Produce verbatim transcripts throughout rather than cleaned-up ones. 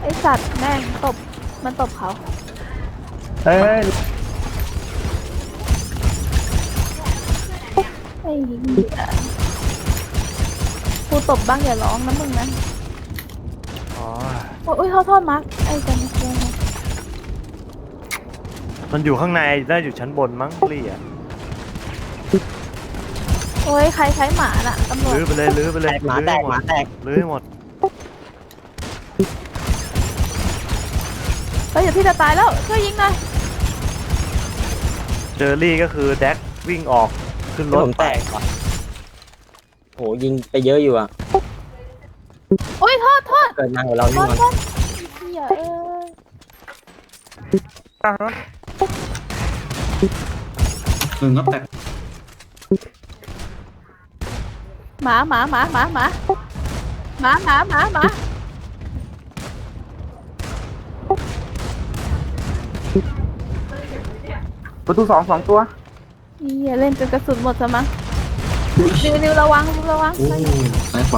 ไอสัตว์แม่งตบมันตบเขาเฮ้ยไอ้เหี้ยกูตบบ้างอย่าร้องนะมึงนะอ๋อโอ้ยโทษโทษมาร์คไอ้จันทร์มันอยู่ข้างในน่าอยู่ชั้นบนมั้งลี่อ่ะโอ้ยใครใช้หมาน่ะตำรวจลื้อไปเลยลื้อไปเลยหมาแตกหมาแตกลื้อให้หมดเฮ้ยเดี๋ยวพี่จะตายแล้วช่วยยิงหน่อยเจอรี่ก็คือแดกวิ่งออกขึ้นรถผมแตกว่ะโหยิงไปเยอะอยู่อ่ะโอ้ยโทษโทษเกิดมาของเราโทนี่ษมันโทษเหี้ยเอ้ยหนึ่งก็แตกหมาหมาหมาหมาหมาหมาหมาหมาหมาประตูสองสองตัวเหี้ยเล่นจนกระสุนหมดซะมั้งนิวนิวระวังนิวระวังโอ้ซ้ายขวา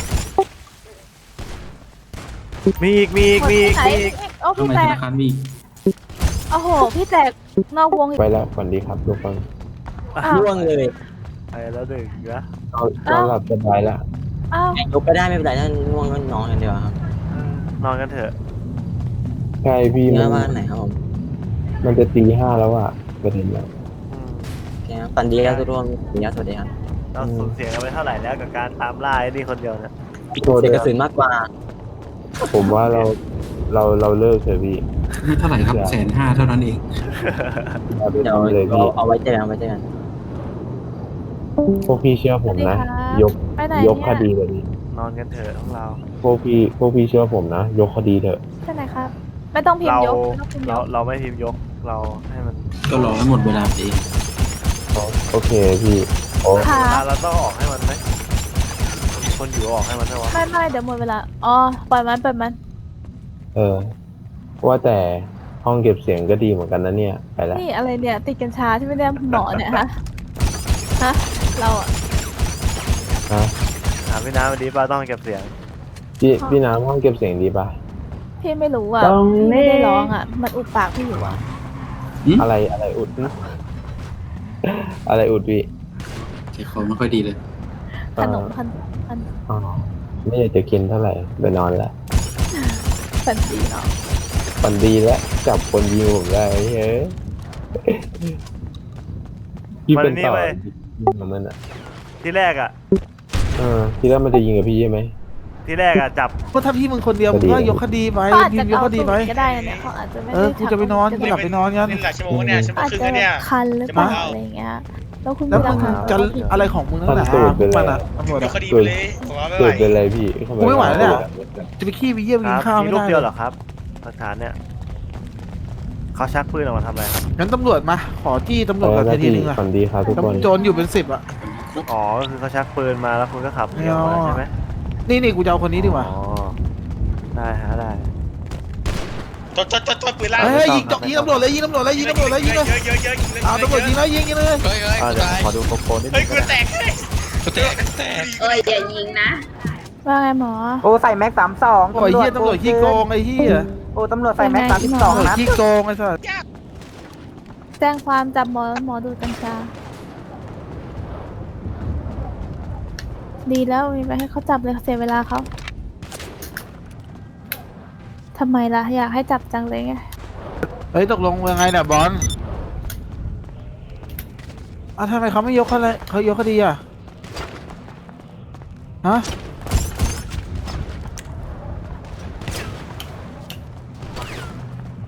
มีอีกมีอีกหมดมีอีกไหนมีอีกโอ้ข้างพี่ในแตธกนาคารมีอีกโอ้โหพี่แตกนอกวงอีกไปแล้วฝันดีครับทุกคนอ้าวร่วงเลยไปแล้วหนึ่งนะเราเราหลับสบายแล้วอ้าวยกไปได้ไม่เป็นไรนั่นร่วงก็นอนกันเดียวครับนอนกันเถอะใช่พี่เนื้มัอน บ้านไหนครับผมมันจะตีห้าแล้วอ่ะประเด็นแล้วอืมโอเคครับปันดีแล้วทุกคนปันดีแล้วสวัสดีครับเราสูญเสียกันไปเท่าไหร่แล้วกับการตามล่าไอ้นี่คนเดียวเนี่ยโทษเสีด้ยวยกระสุนมากกว่าผมว่าเราเราเราเลิกเถอะพี่ให้เท่าไหร่ครับแสนห้าเท่านั้นเองเราไปเดี๋ยวทำเลยเอาพี่เอาไว้เจอกันเอาไว้เจอกันพวกพี่เชื่อผมนะ ยกไปไหนยกคเนี่ยดีเลยพี่นอนกันเถอะของเราพวกพี่พวกพี่เชื่อผมนะ ยกคดีเถอะไปไหนครับไม่ต้องพิมเราพ์ยกไม่ต้องพิมพ์ยเรากเราไม่พิมพ์ยกเราให้มันก็รอให้หมดเวลาไปเองโอเคพี่โอ้ค่ะเวลาเราต้องออกให้มันไหมคนอยู่ออกให้มันใช่ไหมไม่ไม่เดี๋ยวหมดเวลาอ๋อปล่อยมันปล่อยมันเออ ว่าแต่ห้องเก็บเสียงก็ดีเหมือนกันนะเนี่ยไปแล้วนี่อะไรเนี่ยติดกัญชาที่ไม่ได้หมอเนี่ยฮะฮะเราอะฮะถามพี่น้ำวันนี้ป้าต้องเก็บเสียงพี่พี่น้ำห้องเก็บเสียงดีปะพี่ไม่รู้อ่ะตรงพี่นี้ไม่ได้ร้องอ่ะมันอุดปากพี่อยู่อ่ะอะไรอะไรอุดนะอะไรอุดพี่ใจคอไม่ค่อยดีเลยขนมพันพันอ๋อไม่อยากจะกินเท่าไหร่ไปนอนละพันดีเนาะฝันดีแล้วจับคนยิงผมได้เฮ้ยพี่เป็นต่อยิงกับมันอ่ะที่แรกอ่ะเออที่แรกมันจะยิงกับพี่ใช่ไหมที่แรกอ่ะจับก็ถ้าพี่มึงคนเดียวมึงก็ยกคดีไปเขาอาจพิจะมพ์ยกเอาคดีสูไปตรก็ได้นะเนี่ยเขาอาจจะไม่เอได้อกูจะไปนอนกูหลับไปนอนกันเล่นหลายชั่วโมงเนี่ยชั่วโมงอาจครึ่งจะแล้วเนี่ยคันหรือเปล่าอะไรอย่างเงี้ยแล้วคุณแล้วมีหมึลังกฐานจะว่าผิดอะไรของมึงนั่นแหละทำตูดไปเลยมันอ่ะตำรวจยอะกคดีไปเลยผมว่าไม่ไหวเกิดเป็นไรพี่ทำกูไม่ไหวแล้วเนี่ยเจะไปขี้ไปเยี่ยมคกินรับข้าวมีไม่รูปได้เดียวเหรอครับหลักฐานเนี่ยเขาชักปืนออกมาทำอะไรครับงั้นตำรวจมาขอจี้ตำรอวจอก่อนแล้วทีพี่นึงอ่ะฝันดีครับทุกคนโจรอยู่เป็นสิบอ่ะอ๋อก็คือเขาชักปืนมาแล้วคุณก็ขับหนีออกมาใช่ไหมนี่นี่กูจะเอาคนนี้ดีกว่าอ๋อได้ฮะได้จดจดจดจดปืนลั่นเฮ้ยยิงยิงตำรวจเลยยิงตำรวจเลยยิงตำรวจเลยยิงเลยเยอะเยอะเยอะยิงเลยเอาตำรวจยิงเลยยิงยิงเลยเฮ้ยเฮ้ยอ่ากูเดี๋ยวตายขอดูโปรโปรนิดเฮ้นึยงกูก็ได้แตกเลยกูแตกแตกเอ้ยอย่ายิงนะว่าไงหมอโอ้ใส่แม็กสามสองโอ้ยเฮียตำรวจขี้โกงไอ้เฮียโอ้ตำรวจใส่แม็กสามสิบสองตำรวจขี้โกงไอ้สัสแจ้งความจับหมอหมอดูดกัญชาดีแล้วมีไปให้เขาจับเลยเสียเวลาเขาทำไมล่ะอยากให้จับจังเลยไงเฮ้ยตกลงยังไงเนี่ยบอลอ่ะทำไมเขาไม่ยกคดีเขายกคดีอ่ะฮะ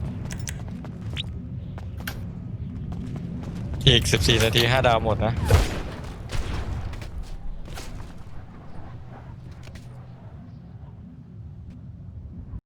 อีกสิบสี่นาทีห้าดาวหมดนะ